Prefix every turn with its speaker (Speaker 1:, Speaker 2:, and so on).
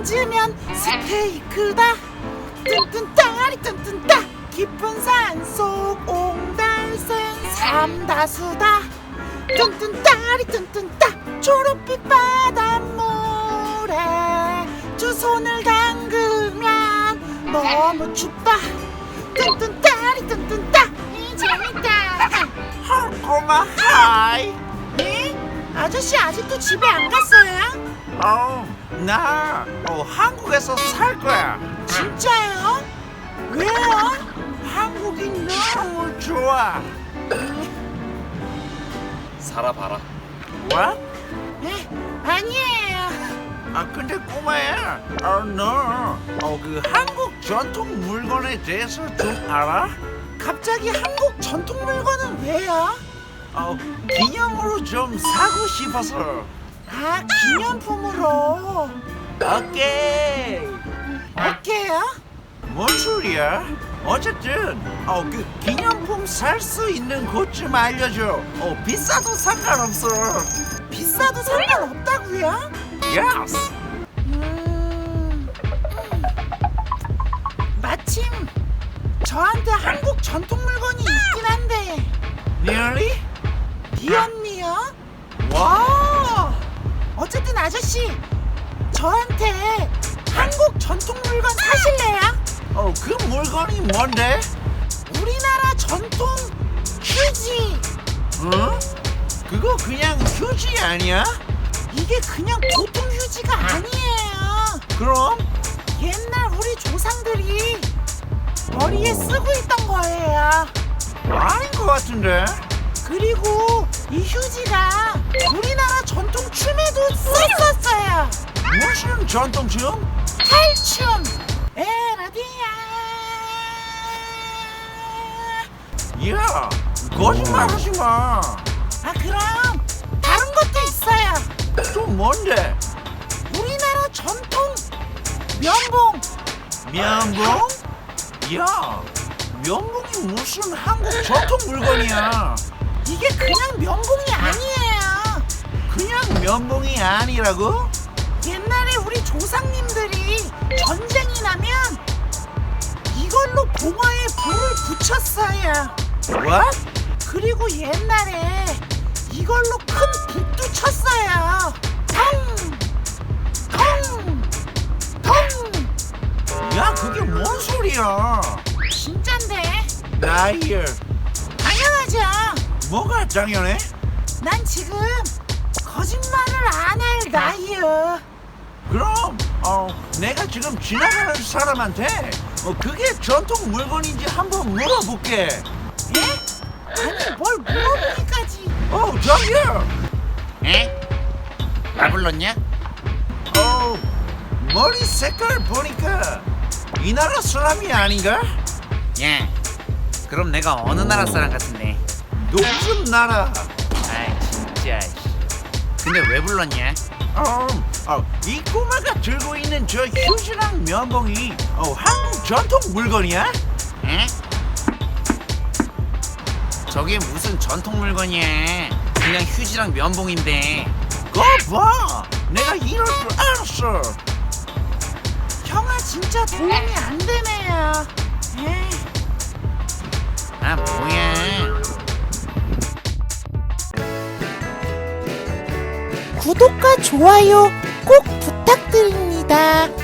Speaker 1: 앉으면 스테이크다. 뜬뜬따리 뜬뜬따. 깊은 산속 옹달샘 삼다수다. 뜬뜬따리 뜬뜬따. 초록빛 바닷물에 두 손을 담그면 너무 춥다. 뜬뜬따리 뜬뜬따. 재밌다.
Speaker 2: 꼬마 하이.
Speaker 1: 네? 아저씨 아직도 집에 안 갔어요?
Speaker 2: 나 한국에서 살 거야.
Speaker 1: 진짜요? 왜요?
Speaker 2: 한국이 너무 좋아.
Speaker 3: 살아봐라.
Speaker 2: 뭐?
Speaker 1: 네? 아니에요.
Speaker 2: 근데 꼬마야, 너 그 한국 전통 물건에 대해서 좀 알아?
Speaker 1: 갑자기 한국 전통 물건은 왜요?
Speaker 2: 기념으로 좀 사고 싶어서.
Speaker 1: 아, 기념품으로.
Speaker 2: 오케이.
Speaker 1: 어때요?
Speaker 2: 뭔 소리야? 어쨌든 그 기념품 살 수 있는 곳 좀 알려줘. 비싸도 상관없어.
Speaker 1: 비싸도 상관없다고요?
Speaker 2: 예스.
Speaker 1: 마침 저한테 한국 전통 물건이 있긴 한데.
Speaker 2: Really?
Speaker 1: 미연미요?
Speaker 2: 와.
Speaker 1: 어쨌든 아저씨, 저한테 한국 전통 물건 사실래요?
Speaker 2: 그 물건이 뭔데?
Speaker 1: 우리나라 전통 휴지.
Speaker 2: 어? 그거 그냥 휴지 아니야?
Speaker 1: 이게 그냥 보통 휴지가 아니에요.
Speaker 2: 그럼?
Speaker 1: 옛날 우리 조상들이 머리에 쓰고 있던 거예요.
Speaker 2: 아닌 것 같은데?
Speaker 1: 그리고 이 휴지가 우리나라 전통 춤에도 썼었어요.
Speaker 2: 무슨 전통춤?
Speaker 1: 탈춤. 에라디야.
Speaker 2: 야, 거짓말하지 마.
Speaker 1: 그럼 다른 것도 있어요.
Speaker 2: 또 뭔데?
Speaker 1: 우리나라 전통 면봉.
Speaker 2: 면봉? 야, 면봉이 무슨 한국 전통 물건이야?
Speaker 1: 이게 그냥 면봉이 아니에요.
Speaker 2: 그냥 면봉이 아니라고?
Speaker 1: 옛날에 우리 조상님들이 전쟁이 나면 이걸로 봉화에 불을 붙였어요.
Speaker 2: What?
Speaker 1: 그리고 옛날에 이걸로 큰 북도 쳤어요. 텅! 텅! 텅!
Speaker 2: 야, 그게 뭔 소리야?
Speaker 1: 진짠데?
Speaker 2: 나이에
Speaker 1: 당연하죠.
Speaker 2: 뭐가 당연해?
Speaker 1: 난 지금 거짓말을 안 할 나이요.
Speaker 2: 그럼 내가 지금 지나가는 사람한테 그게 전통 물건인지 한번 물어볼게.
Speaker 1: 예? 아니 뭘 물어보기까지.
Speaker 2: 저기요.
Speaker 3: 에? 나 불렀냐?
Speaker 2: 머리 색깔 보니까 이 나라 사람이 아닌가?
Speaker 3: 야, 그럼 내가 어느 나라 사람 같은데?
Speaker 2: 무슨 나라?
Speaker 3: 아이 진짜. 근데 왜 불렀냐?
Speaker 2: 이 꼬마가 들고 있는 저 휴지랑 면봉이 한국 전통 물건이야?
Speaker 3: 에? 저게 무슨 전통 물건이야? 그냥 휴지랑 면봉인데.
Speaker 2: 거 봐, 내가 이럴 줄 알았어.
Speaker 1: 형아 진짜 도움이 안 되네요. 에이.
Speaker 3: 아 뭐야?
Speaker 1: 구독과 좋아요 꼭 부탁드립니다.